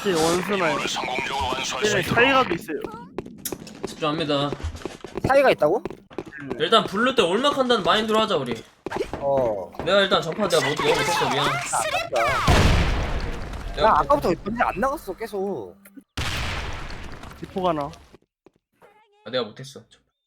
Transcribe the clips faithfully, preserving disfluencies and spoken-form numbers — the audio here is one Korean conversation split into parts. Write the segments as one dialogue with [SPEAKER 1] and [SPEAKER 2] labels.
[SPEAKER 1] 제 원스나요. 얘네 차이가도 있어요.
[SPEAKER 2] 집중합니다.
[SPEAKER 3] 사이가 있다고?
[SPEAKER 2] 일단 블루 때 올막한다는 마인드로 하자 우리.
[SPEAKER 3] 어.
[SPEAKER 2] 내가 일단 전파 내가 못 내가 못했어 미안.
[SPEAKER 3] 나
[SPEAKER 2] 내가
[SPEAKER 3] 아까부터 전지 안 나갔어 계속.
[SPEAKER 1] 디포가 나.
[SPEAKER 2] 아, 내가 못했어.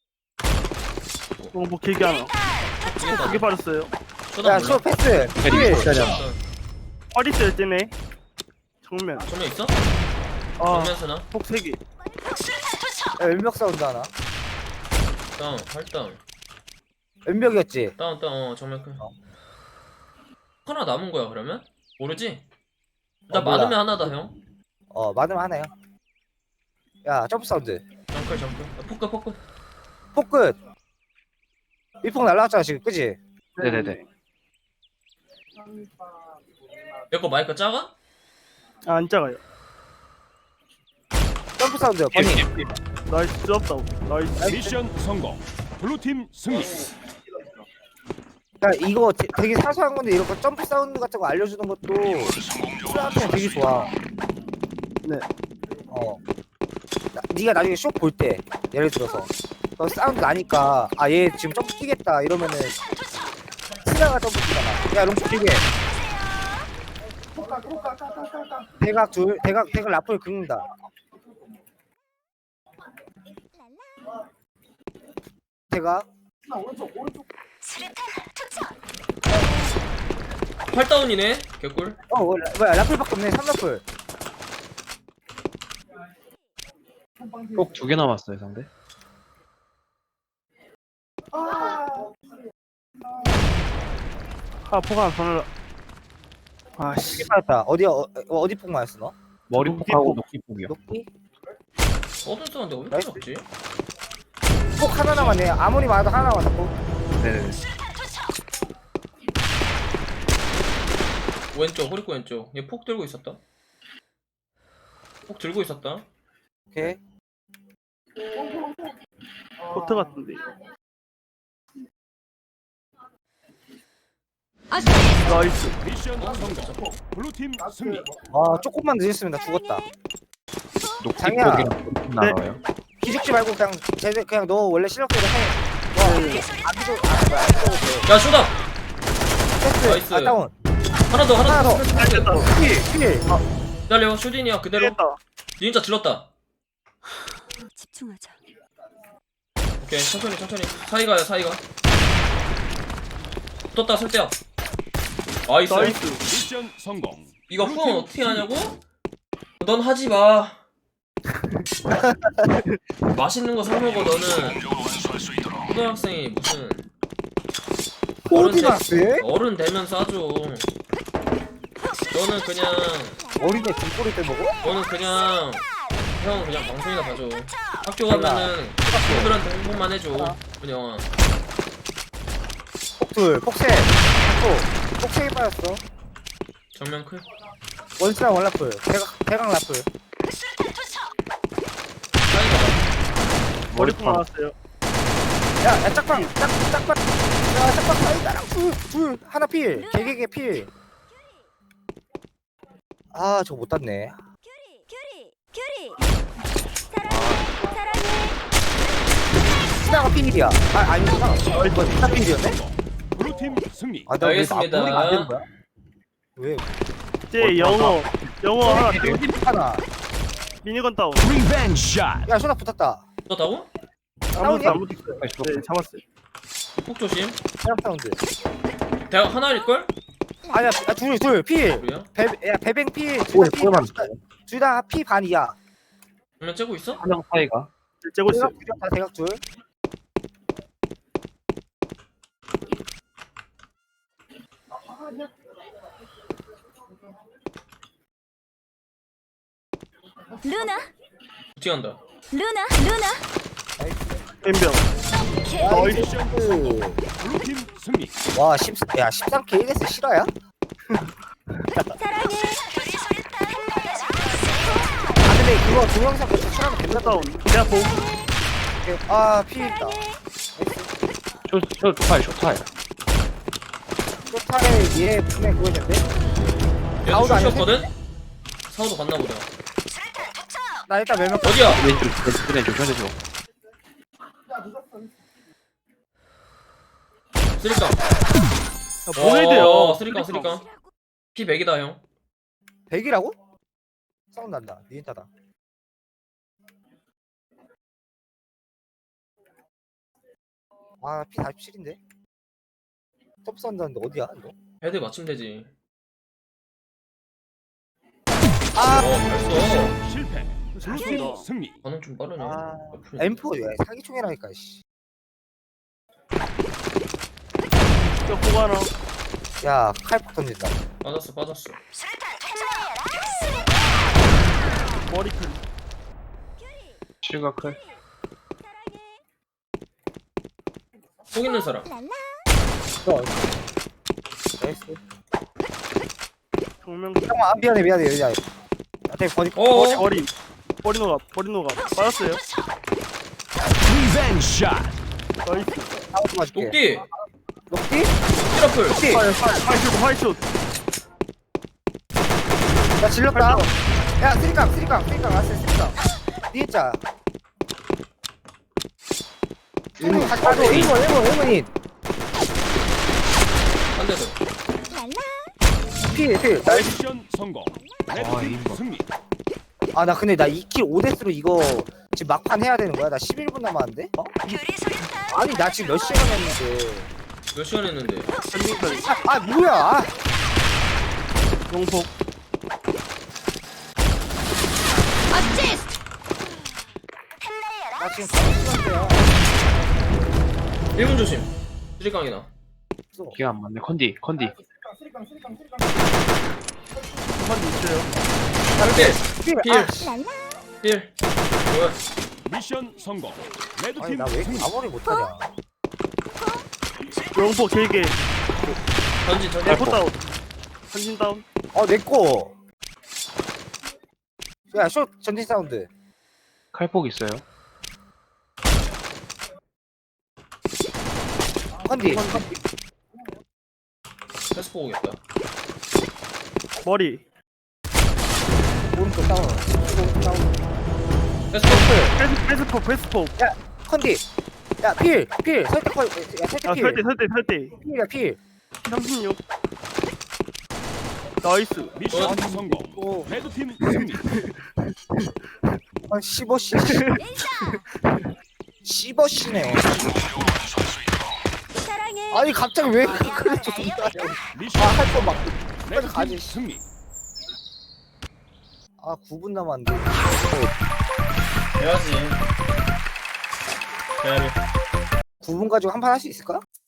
[SPEAKER 1] 어, 뭐 길게 하나. 두개 빠졌어요.
[SPEAKER 3] 야, 수 패스. 필.
[SPEAKER 1] 허리 쓸 때네. 정면.
[SPEAKER 2] 정면 있어?
[SPEAKER 1] 아,
[SPEAKER 2] 정면 쓰나?
[SPEAKER 1] 폭 세 개.
[SPEAKER 3] 야, 왼벽 사운드 하나.
[SPEAKER 2] 다운 활다운
[SPEAKER 3] 왼벽이었지.
[SPEAKER 2] 다운 다운 어 정면 클.
[SPEAKER 3] 어.
[SPEAKER 2] 하나 남은 거야 그러면? 모르지? 나
[SPEAKER 3] 어, 몰라.
[SPEAKER 2] 많으면 하나다 형.
[SPEAKER 3] 어, 많으면 하나요. 야, 점프 사운드.
[SPEAKER 2] 정클 정클. 아, 포크 포크.
[SPEAKER 3] 폭끝. 일폭 날라왔잖아 지금, 그지?
[SPEAKER 1] 네네네.
[SPEAKER 2] 얘거 마이크 작아?
[SPEAKER 1] 아, 안 작아요.
[SPEAKER 3] 점프 사운드. 버니.
[SPEAKER 1] 나이스, 뜨겁다고. 나이스.
[SPEAKER 4] 미션 성공. 블루팀 승리.
[SPEAKER 3] 야, 이거 되- 되게 사소한 건데 이런 거 점프 사운드 같은 거 알려주는 것도 수학생 되게 좋아.
[SPEAKER 1] 네.
[SPEAKER 3] 어. 나, 네가 나중에 쇼 볼 때 예를 들어서 너 사운드 나니까 아 얘 지금 점프 뛰겠다 이러면은 스나가 점프 뛰잖아. 야 롱쇼 뛰게. 대각 둘 대각 대각 라플 긁는다. 대각
[SPEAKER 2] 활다운이네. 개꿀.
[SPEAKER 3] 어 뭐, 뭐야 라플밖에 없네. 삼 라플.
[SPEAKER 5] 꼭 두 개 남았어요 상대.
[SPEAKER 1] 아, 폭 하나 더 날라. 아, 씨.
[SPEAKER 3] 개 맞았다. 어디 어, 어디 폭 맞았어 너?
[SPEAKER 5] 머리
[SPEAKER 1] 녹기
[SPEAKER 5] 폭하고
[SPEAKER 1] 폭.
[SPEAKER 5] 녹기 폭이요.
[SPEAKER 3] 녹기?
[SPEAKER 2] 어떤 쓰는데 왜 이렇게
[SPEAKER 3] 나이스.
[SPEAKER 2] 없지?
[SPEAKER 3] 폭 하나 남았네. 아무리 많아도 하나 남았다. 폭.
[SPEAKER 5] 네네네.
[SPEAKER 2] 왼쪽 호리코 왼쪽. 얘 폭 들고 있었다. 폭 들고 있었다.
[SPEAKER 3] 오케이.
[SPEAKER 1] 코트 같은데. 나이스.
[SPEAKER 4] 미션 성공. 블루팀 승리.
[SPEAKER 3] 아 조금만 늦었으면 나 죽었다.
[SPEAKER 5] 녹기
[SPEAKER 3] 장이야.
[SPEAKER 5] 폭이랑 녹기 나와요.
[SPEAKER 3] 기죽지 말고 그냥 쟤네 그냥 너 원래 실력대로 해. 와, 아기도 아 뭐야 아기도 돼.
[SPEAKER 2] 야 쇼다.
[SPEAKER 3] 패스.
[SPEAKER 2] 나이스.
[SPEAKER 3] 아 다운.
[SPEAKER 2] 하나 더 하나
[SPEAKER 3] 하나
[SPEAKER 2] 더.
[SPEAKER 3] 더.
[SPEAKER 1] 됐다.
[SPEAKER 3] 필 필. 아
[SPEAKER 2] 기다려 슈딘이야 그대로.
[SPEAKER 1] 됐다.
[SPEAKER 2] 닌자 질렀다.
[SPEAKER 6] 집중하자.
[SPEAKER 2] 오케이 천천히 천천히. 사이가야 사이가. 붙었다 설대야. 나이스.
[SPEAKER 1] 나이스.
[SPEAKER 4] 미션 성공.
[SPEAKER 2] 이거 후원 어떻게 하냐고? 넌 하지 마. 맛있는 거 사 먹어 너는. 초등학생이 무슨 어른 되,
[SPEAKER 3] 어디갔어?
[SPEAKER 2] 어른 되면 싸줘. 너는 그냥
[SPEAKER 3] 어린애 등골이 때 먹어?
[SPEAKER 2] 너는 그냥 형 그냥 방송이나 봐줘. 학교 가면은 친구들한테 홍보만 해줘. 그냥
[SPEAKER 3] 폭둘 폭세. 폭 폭세에 빠졌어.
[SPEAKER 2] 정면 클.
[SPEAKER 3] 원스랑 원라플. 대각 대각 라플.
[SPEAKER 2] 사이가
[SPEAKER 1] 머리폭 나왔어요.
[SPEAKER 3] 야, 야 짝방 짝 짝방. 야 짝방 사이다랑 둘둘 하나 필. 개개개 필. 아 저거 못 땄네.
[SPEAKER 6] 큐리, 큐리, 큐리. 사랑해, 사랑해.
[SPEAKER 3] 스나가 필이야. 아 아니구나. 어 이거 스나 필이었네?
[SPEAKER 4] 블루팀 승리.
[SPEAKER 3] 아, 나왜
[SPEAKER 2] 알겠습니다.
[SPEAKER 3] 우리가 안 되는 거야? 왜?
[SPEAKER 1] 제 영어. 영어 하나. 더.
[SPEAKER 3] 어디 하나.
[SPEAKER 1] 미니건 다운.
[SPEAKER 4] 리벤지 샷.
[SPEAKER 3] 야, 쇼나 붙었다.
[SPEAKER 2] 붙었다고?
[SPEAKER 1] 아무도 안 붙었어요. 네, 잡았어요.
[SPEAKER 2] 폭 조심.
[SPEAKER 3] 사람 사운드.
[SPEAKER 2] 대학 하나일걸?
[SPEAKER 3] 아니야, 아, 둘, 둘, 필.
[SPEAKER 2] 우리야?
[SPEAKER 3] 배, 야, 배뱅 필.
[SPEAKER 5] 오해
[SPEAKER 3] 둘다
[SPEAKER 5] 오해만
[SPEAKER 3] 필. 둘다 피 반이야.
[SPEAKER 2] 정면 째고 있어?
[SPEAKER 5] 한명 사이가.
[SPEAKER 1] 째고 있어요.
[SPEAKER 3] 대각 둘이야, 다 대각 둘.
[SPEAKER 6] 루나,
[SPEAKER 2] 어떻게 한다?
[SPEAKER 6] 루나, 루나.
[SPEAKER 1] 엠병.
[SPEAKER 3] 나이스.
[SPEAKER 4] 블루팀 승리.
[SPEAKER 3] 와, 십, 야, 십삼 케이 일에스 실화야?
[SPEAKER 6] 사랑해.
[SPEAKER 3] 아, 근데 그거 동영상 같이 출하면
[SPEAKER 1] 미니건
[SPEAKER 3] 된다.
[SPEAKER 1] 다운. 내가 보.
[SPEAKER 3] 아, 피 있다.
[SPEAKER 5] 쇼쇼 투파이 쇼타이.
[SPEAKER 3] 쇼타에 얘 분명 그거였는데?
[SPEAKER 2] 얘도
[SPEAKER 3] 아웃 아니야?
[SPEAKER 2] 쇼였거든? 사우도 갔나 보다.
[SPEAKER 3] 나 일단 몇 명.
[SPEAKER 2] 어디야?
[SPEAKER 5] 왼쪽 왼쪽 왼쪽 왼쪽.
[SPEAKER 2] 쓰리깡.
[SPEAKER 1] 뭐해야
[SPEAKER 2] 어,
[SPEAKER 1] 돼요?
[SPEAKER 2] 쓰리깡 쓰리깡. 피 백이다 형.
[SPEAKER 3] 백이라고? 사운드 난다. 니인타다. 아, 피 사십칠인데? 톱 사운드 하는데 어디야, 이거?
[SPEAKER 2] 헤드 맞추면 되지.
[SPEAKER 3] 아,
[SPEAKER 2] 어, 벌써.
[SPEAKER 4] 실패. 블루팀
[SPEAKER 1] 좋습니다.
[SPEAKER 4] 승리.
[SPEAKER 2] 반응 좀 빠르네.
[SPEAKER 3] 아,
[SPEAKER 2] 옆으로.
[SPEAKER 3] 엠 포, 야, 사기총이라니까, 씨.
[SPEAKER 1] 저 보고 하나.
[SPEAKER 3] 야, 칼폭 던진다.
[SPEAKER 2] 빠졌어 빠졌어.
[SPEAKER 1] 머리클.
[SPEAKER 5] 실각 클.
[SPEAKER 2] 속 있는 사람.
[SPEAKER 3] 너, 나이스.
[SPEAKER 1] 정면.
[SPEAKER 3] 잠깐만, 아, 미안해, 미안해, 미안해. 나한테 버리,
[SPEAKER 2] 어.
[SPEAKER 1] 머리 머리. 머리 녹아. 머리 녹아. 빠졌어요.
[SPEAKER 4] 리벤지 샷.
[SPEAKER 1] 나이스.
[SPEAKER 3] 사운드 맞을게.
[SPEAKER 2] 녹디.
[SPEAKER 3] 녹디?
[SPEAKER 2] 트러플.
[SPEAKER 3] 녹디?
[SPEAKER 1] 화이 화이쇼 화이쇼.
[SPEAKER 3] 야, 질렀다. 야, 쓰리깡, 쓰리깡, 쓰리깡, 왔어, 쓰리깡. 니인자. 일본, 다시 가줘. 일본, 일본, 일본인.
[SPEAKER 2] 한 대 더.
[SPEAKER 3] 필, 필. 나이스.
[SPEAKER 4] 미션 성공.
[SPEAKER 5] 아,
[SPEAKER 4] 레드팀
[SPEAKER 5] 이거.
[SPEAKER 4] 승리.
[SPEAKER 3] 아, 나 근데 나 이 킬 오 데스로 이거 지금 막판 해야 되는 거야? 나 십일 분 남았는데? 어? 아니, 나 지금 몇 시간 했는데.
[SPEAKER 2] 몇 시간 했는데?
[SPEAKER 1] 한민클.
[SPEAKER 3] 아, 아 뭐야? 아,
[SPEAKER 1] 용폭.
[SPEAKER 3] 나 지금 다섯 시간째야.
[SPEAKER 2] 일 분 조심. 쓰리깡이나.
[SPEAKER 5] 기가 안 맞네. 컨디 컨디.
[SPEAKER 1] 한번 있어요.
[SPEAKER 2] 필.
[SPEAKER 3] 필,
[SPEAKER 2] 필.
[SPEAKER 3] 아, 씨.
[SPEAKER 2] 필. 뭐야?
[SPEAKER 4] 미션 성공.
[SPEAKER 3] 아니,
[SPEAKER 4] 레드팀
[SPEAKER 3] 나 왜 이렇게
[SPEAKER 4] 승리.
[SPEAKER 3] 아무리 못하냐?
[SPEAKER 1] 용폭 길게.
[SPEAKER 2] 전진 전진.
[SPEAKER 1] 에코 다운. 전진 다운.
[SPEAKER 3] 어, 내꺼. 야, 쇼 전진 사운드.
[SPEAKER 5] 칼폭 있어요.
[SPEAKER 3] 컨디.
[SPEAKER 2] 패스 보겠다.
[SPEAKER 1] 머리.
[SPEAKER 3] 오른쪽 다운. 오른쪽 다운.
[SPEAKER 2] 패스 볼.
[SPEAKER 1] 패스 패스폭 패스폭.
[SPEAKER 3] 컨디. 야, 필, 필. 설대 컬. 야, 설대
[SPEAKER 1] 아
[SPEAKER 3] 필.
[SPEAKER 1] 설대 설대 설대.
[SPEAKER 3] 필이야, 필.
[SPEAKER 1] 삼십육. 나이스.
[SPEAKER 4] 미션
[SPEAKER 3] 아니,
[SPEAKER 4] 성공.
[SPEAKER 3] 오,
[SPEAKER 4] 레드팀 승리.
[SPEAKER 3] 한 십오 씨. 십오 씨네.
[SPEAKER 6] 사랑해.
[SPEAKER 3] 아니, 갑자기 왜 그래 존나요?
[SPEAKER 4] 미션
[SPEAKER 3] 아, 할 거 막.
[SPEAKER 4] 레드팀
[SPEAKER 3] 가지.
[SPEAKER 4] 승리.
[SPEAKER 3] 아, 구 분 남았는데.
[SPEAKER 2] 해야지. 해야지.
[SPEAKER 3] 구 분 가지고 한 판 할 수 있을까?